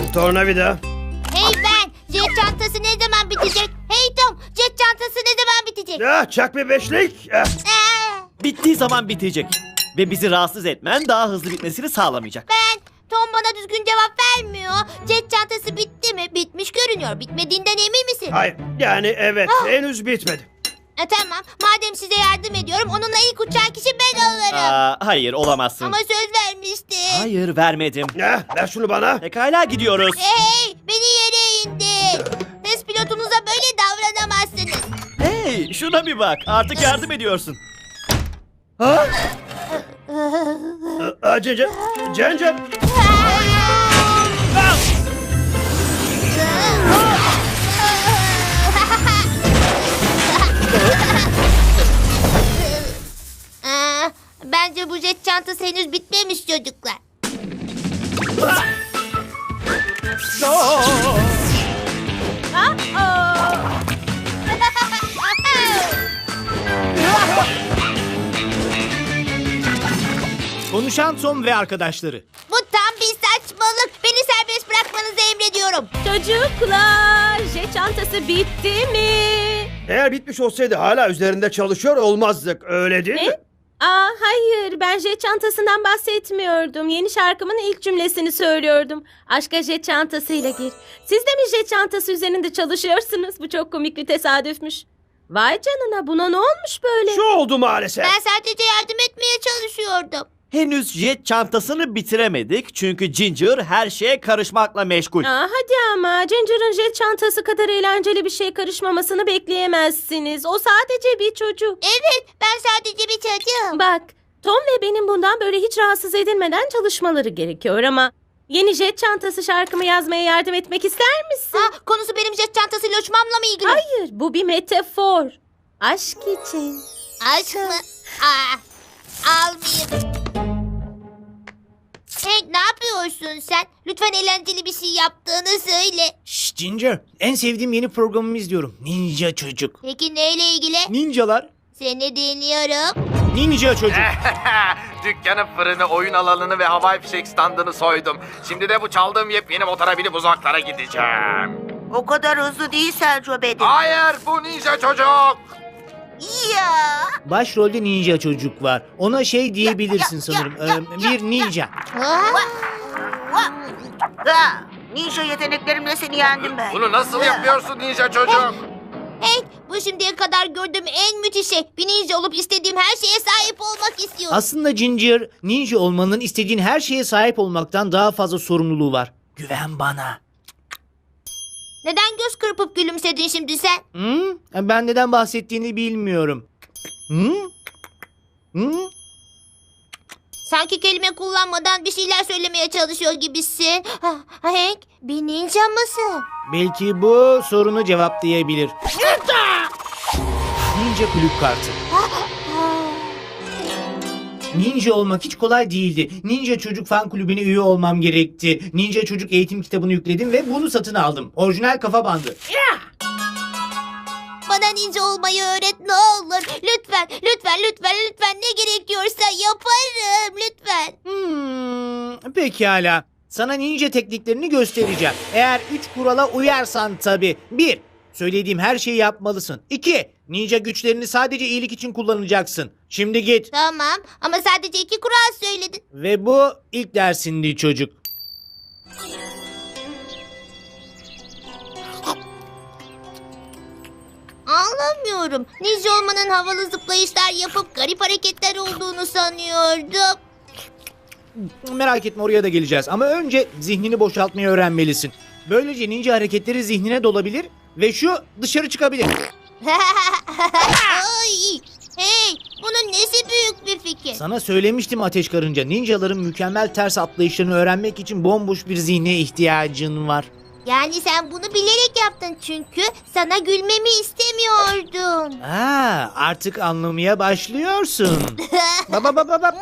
Tornavida. Hey ben, jet çantası ne zaman bitecek? Hey Tom, jet çantası ne zaman bitecek? Ya çak bir beşlik. Bittiği zaman bitecek. Ve bizi rahatsız etmen daha hızlı bitmesini sağlamayacak. Tom bana düzgün cevap vermiyor. Jet çantası bitti mi? Bitmiş görünüyor. Bitmediğinden emin misin? Hayır, yani evet, henüz bitmedi. Tamam, madem size yardım ediyorum, onunla ilk uçan kişi ben olurum. Hayır, olamazsın. Ama söz vermiştin. Hayır, vermedim. Ver şunu bana. Pekala gidiyoruz. Hey, beni yere indir. Test pilotunuza böyle davranamazsınız. Hey, şuna bir bak. Artık yardım ediyorsun. Cencem. Bence bu jet çantası henüz bitmemiş çocuklar. Konuşan Tom ve arkadaşları. Bu tam bir saçmalık. Beni serbest bırakmanızı emrediyorum. Çocuklar, jet çantası bitti mi? Eğer bitmiş olsaydı hala üzerinde çalışıyor olmazdık, öyle değil mi? Hayır, ben jet çantasından bahsetmiyordum. Yeni şarkımın ilk cümlesini söylüyordum. Aşka jet çantasıyla gir. Siz de mi jet çantası üzerinde çalışıyorsunuz? Bu çok komik bir tesadüfmüş. Vay canına, buna ne olmuş böyle? Şu oldu maalesef. Ben sadece yardım etmeye çalışıyordum. Henüz jet çantasını bitiremedik. Çünkü Ginger her şeye karışmakla meşgul. Hadi ama, Ginger'ın jet çantası kadar eğlenceli bir şey karışmamasını bekleyemezsiniz. O sadece bir çocuk. Evet, ben sadece bir çocuğum. Bak, Tom ve benim bundan böyle hiç rahatsız edilmeden çalışmaları gerekiyor ama... Yeni jet çantası şarkımı yazmaya yardım etmek ister misin? Konusu benim jet çantasıyla uçmamla mı ilgili? Hayır, bu bir metafor. Aşk için. Aşk mı? Almayayım. Hey, ne yapıyorsun sen? Lütfen eğlenceli bir şey yaptığını söyle. Şşş Ginger, en sevdiğim yeni programımı izliyorum. Ninja Çocuk. Peki neyle ilgili? Ninjalar. Seni dinliyorum. Ninja Çocuk. Dükkanın fırını, oyun alanını ve havai fişek standını soydum. Şimdi de bu çaldığım yepyeni motora binip uzaklara gideceğim. O kadar hızlı değil Selco Bedin. Hayır, bu ninja çocuk. Ya. Başrolde Ninja Çocuk var. Ona şey diyebilirsin sanırım. Bir ninja. Ninja yeteneklerimle seni yendim ben. Bunu nasıl yapıyorsun ninja çocuk? Hey, bu şimdiye kadar gördüğüm en müthiş şey. Bir ninja olup istediğim her şeye sahip olmak istiyorum. Aslında Ginger, ninja olmanın istediğin her şeye sahip olmaktan daha fazla sorumluluğu var. Güven bana. Neden göz kırpıp gülümsedin şimdi sen? Ben neden bahsettiğini bilmiyorum. Sanki kelime kullanmadan bir şeyler söylemeye çalışıyor gibisin. Hank, bir ninja mısın? Belki bu sorunu cevaplayabilir. Ninja kulüp kartı. Ninja olmak hiç kolay değildi. Ninja Çocuk fan kulübüne üye olmam gerekti. Ninja Çocuk eğitim kitabını yükledim ve bunu satın aldım. Orijinal kafa bandı. Bana ninja olmayı öğret ne olur. Lütfen, lütfen, lütfen, lütfen ne gerekiyorsa yaparım. Lütfen. Pekala. Sana ninja tekniklerini göstereceğim. Eğer 3 kurala uyarsan tabii. 1. Söylediğim her şeyi yapmalısın. 2. Ninja güçlerini sadece iyilik için kullanacaksın. Şimdi git. Tamam ama sadece 2 kural söyledin. Ve bu ilk dersindi çocuk. Anlamıyorum. Ninja olmanın havalı zıplayışlar yapıp garip hareketler olduğunu sanıyordum. Merak etme, oraya da geleceğiz. Ama önce zihnini boşaltmayı öğrenmelisin. Böylece ninja hareketleri zihnine dolabilir ve şu dışarı çıkabilir. Ay, hey, bunun nesi büyük bir fikir? Sana söylemiştim Ateş Karınca. Ninjaların mükemmel ters atlayışlarını öğrenmek için bomboş bir zihne ihtiyacın var. Yani sen bunu bilerek yaptın çünkü sana gülmemi istemiyordun. Artık anlamaya başlıyorsun. Baba.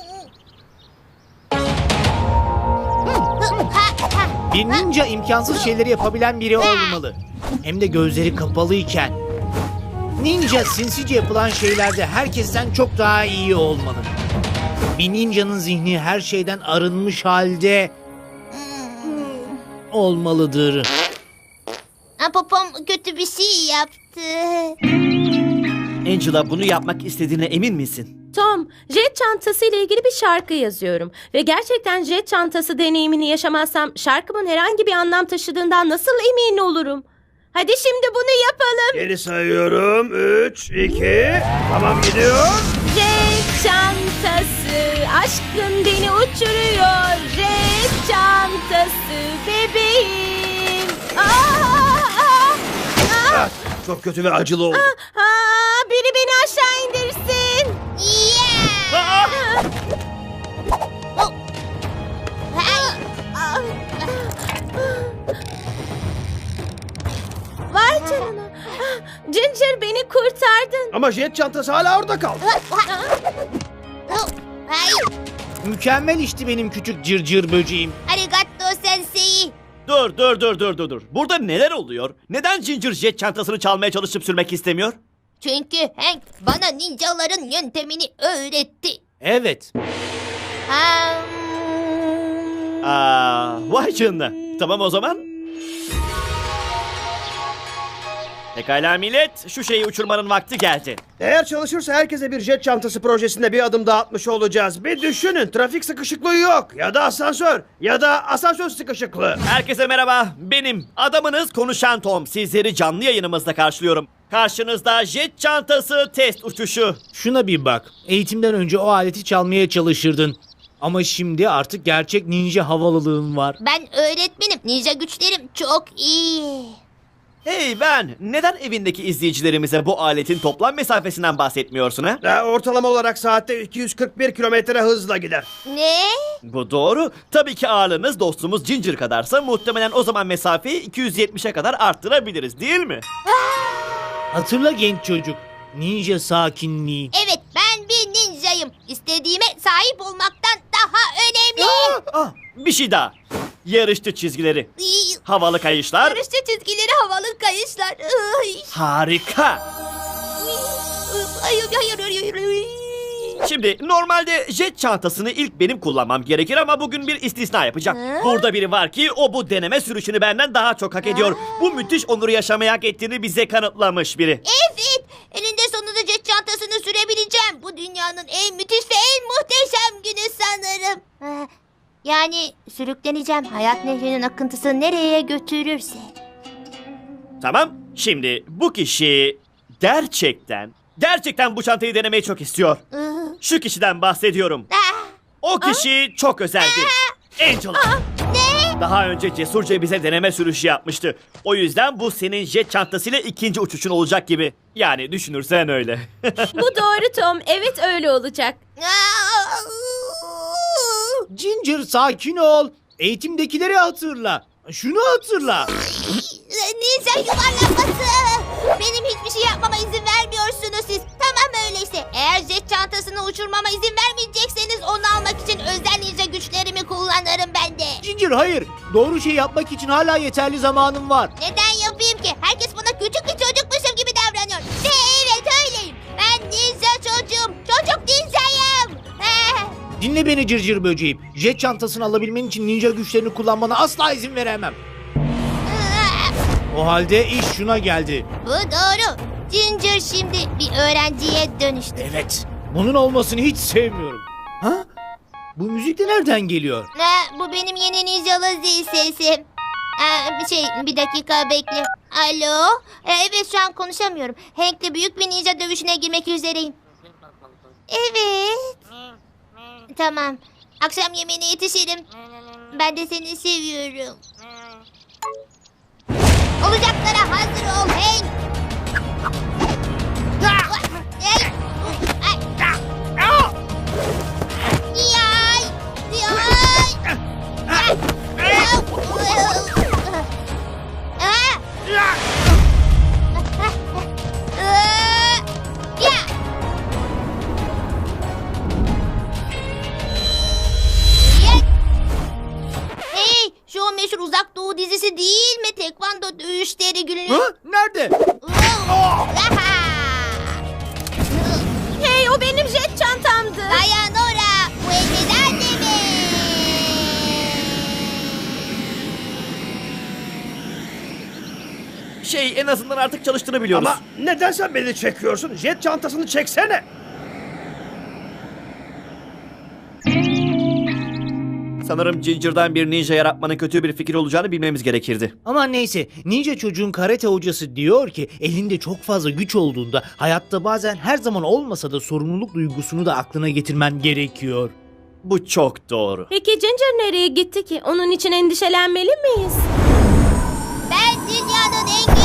Bir ninja imkansız şeyleri yapabilen biri olmalı. Hem de gözleri kapalıyken. Ninja sinsice yapılan şeylerde herkesten çok daha iyi olmalı. Bir ninjanın zihni her şeyden arınmış halde olmalıdır. Popom kötü bir şey yaptı. Angela, bunu yapmak istediğine emin misin? Tom, jet çantası ile ilgili bir şarkı yazıyorum. Ve gerçekten jet çantası deneyimini yaşamazsam şarkımın herhangi bir anlam taşıdığından nasıl emin olurum? Hadi şimdi bunu yapalım. Geri sayıyorum. 3, 2. Tamam gidiyor. Jet çantası, aşkın beni uçuruyor. Jet çantası, bebeğim. Ah, çok kötü ve acılı oldu. Biri beni aşağı indirsin. Yeah! Oh. Hey! Vay canına. Ginger, beni kurtardın. Ama jet çantası hala orada kaldı. Oh. Hey! Mükemmel işti benim küçük cırcır böceğim. Arigato sensei. Dur. Burada neler oluyor? Neden Ginger jet çantasını çalmaya çalışıp sürmek istemiyor? Çünkü Hank bana ninjaların yöntemini öğretti. Evet. Vay canına. Tamam o zaman. Pekala millet, şu şeyi uçurmanın vakti geldi. Eğer çalışırsa herkese bir jet çantası projesinde bir adım daha atmış olacağız. Bir düşünün, trafik sıkışıklığı yok. Ya da asansör. Ya da asansör sıkışıklığı. Herkese merhaba, benim adamınız Konuşan Tom. Sizleri canlı yayınımızda karşılıyorum. Karşınızda jet çantası test uçuşu. Şuna bir bak. Eğitimden önce o aleti çalmaya çalışırdın. Ama şimdi artık gerçek ninja havalılığın var. Ben öğretmenim. Ninja güçlerim çok iyi. Hey ben, neden evindeki izleyicilerimize bu aletin toplam mesafesinden bahsetmiyorsun ha? Ortalama olarak saatte 241 kilometre hızla gider. Ne? Bu doğru. Tabii ki ağırlığınız dostumuz Ginger kadarsa muhtemelen o zaman mesafeyi 270'e kadar arttırabiliriz değil mi? Hatırla genç çocuk. Ninja sakinliği. Evet, ben bir ninjayım. İstediğime sahip olmaktan daha önemli. Bir şey daha. Yarışçı çizgileri, havalı kayışlar. Yarışçı çizgileri, havalı kayışlar. Ay. Harika. Hayır. Şimdi normalde jet çantasını ilk benim kullanmam gerekir ama bugün bir istisna yapacağım. Ha? Burada biri var ki o bu deneme sürüşünü benden daha çok hak ediyor. Bu müthiş onuru yaşamaya hak ettiğini bize kanıtlamış biri. Evet, eninde sonunda jet çantasını sürebileceğim. Bu dünyanın en müthiş ve en muhteşem günü sanırım. Yani sürükleneceğim. Hayat nehrinin akıntısı nereye götürürse. Tamam. Şimdi bu kişi gerçekten bu çantayı denemeyi çok istiyor. Şu kişiden bahsediyorum. O kişi çok özeldi. Angela. Ne? Daha önce cesurca bize deneme sürüşü yapmıştı. O yüzden bu senin jet çantasıyla ikinci uçuşun olacak gibi. Yani düşünürsen öyle. Bu doğru Tom. Evet, öyle olacak. Ginger sakin ol. Eğitimdekileri hatırla. Şunu hatırla. Ninja yuvarlaması. Benim hiçbir şey yapmama izin vermiyorsunuz siz. Tamam öyleyse. Eğer jet çantasını uçurmama izin vermeyecekseniz onu almak için özel ninja güçlerimi kullanırım ben de. Ginger hayır. Doğru şey yapmak için hala yeterli zamanın var. Neden yapayım ki? Herkes bana küçük bir çocukmuşum gibi davranıyor. Ve evet öyleyim. Ben ninja çocuğum. Çocuk ninjayım. Dinle beni cırcır böceğim. Jet çantasını alabilmen için ninja güçlerini kullanmana asla izin veremem. O halde iş şuna geldi. Bu doğru. Ginger şimdi bir öğrenciye dönüştü. Evet. Bunun olmasını hiç sevmiyorum. Ha? Bu müzik de nereden geliyor? Bu benim yeni ninjalı zil sesim. Bir dakika bekle. Alo? Evet şu an konuşamıyorum. Hank'le büyük bir ninja dövüşüne girmek üzereyim. Evet. Tamam. Akşam yemeğine yetişirim. Ben de seni seviyorum. Olacaklara hazır ol Hank. Hey, şu o meşhur Uzak Doğu dizisi değil mi? Tekvando dövüşleri günlük. Ha? Nerede? Hey, o benim jet çantamdı. Dayan ora. Bu elbiden de mi? En azından artık çalıştığını biliyoruz. Ama neden sen beni çekiyorsun? Jet çantasını çeksene. Sanırım Ginger'dan bir ninja yaratmanın kötü bir fikir olacağını bilmemiz gerekirdi. Ama neyse, ninja çocuğun karate hocası diyor ki elinde çok fazla güç olduğunda hayatta bazen her zaman olmasa da sorumluluk duygusunu da aklına getirmen gerekiyor. Bu çok doğru. Peki Ginger nereye gitti ki? Onun için endişelenmeli miyiz? Ben dünyanın en